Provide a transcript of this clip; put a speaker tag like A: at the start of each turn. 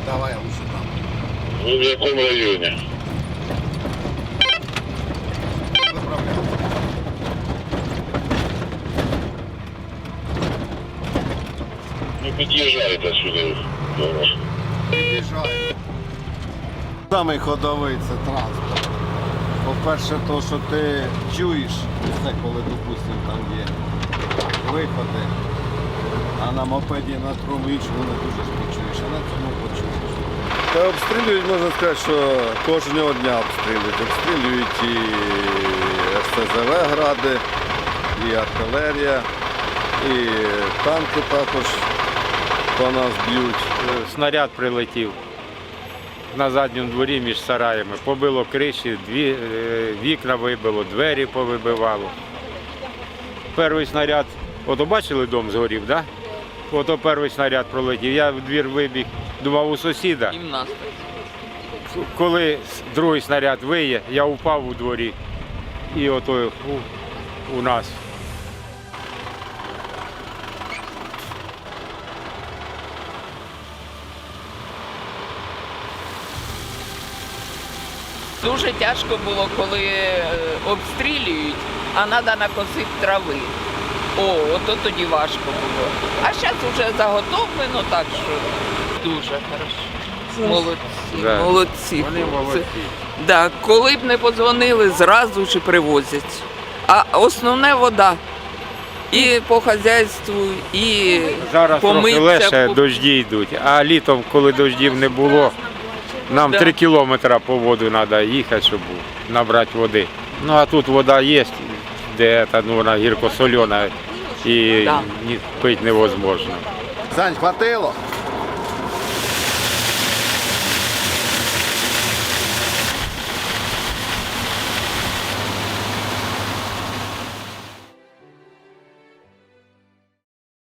A: Давай лучше там.
B: Ви в якому районі?
A: Виправляй.
B: Ну під'їжджайте сюди.
A: Під'їжджай. Самий ходовий це транспорт. По-перше, то, що ти чуєш, це коли, допустимо, там є виходи, а на мопеді на тому іншому не дуже спочуєш, а на цьому почуєш. Та обстрілюють, можна сказати, що кожного дня обстрілюють. Обстрілюють і РСЗВ гради, і артилерія, і танки також по нас б'ють.
C: Снаряд прилетів на задньому дворі між сараями. Побило криші, вікна вибило, двері повибивало. Перший снаряд, ото бачили, дом згорів, так? Да? Ото перший снаряд пролетів. Я в двір вибіг, думав у сусіда.
D: І в нас.
C: Коли другий снаряд виє, я впав у дворі. І ото у нас.
D: Дуже тяжко було, коли обстрілюють, а треба накосити трави. Ото тоді важко було. А зараз вже заготовлено, так що дуже хорошо. Молодці,
C: Да.
D: молодці.
C: Вони
D: хлопці.
C: молодці.
D: Да, коли б не подзвонили, зразу ж і привозять. А основне вода. І по хазяйству, і
C: Зараз трохи
D: помитися.
C: легше, дожді йдуть, а літом, коли дождів не було, нам
D: Да.
C: 3 кілометри по воду треба їхати, щоб набрати води. Ну а тут вода є, де вона гірко-солена і
D: Да.
C: пити невозможно.
A: Сань, хватило?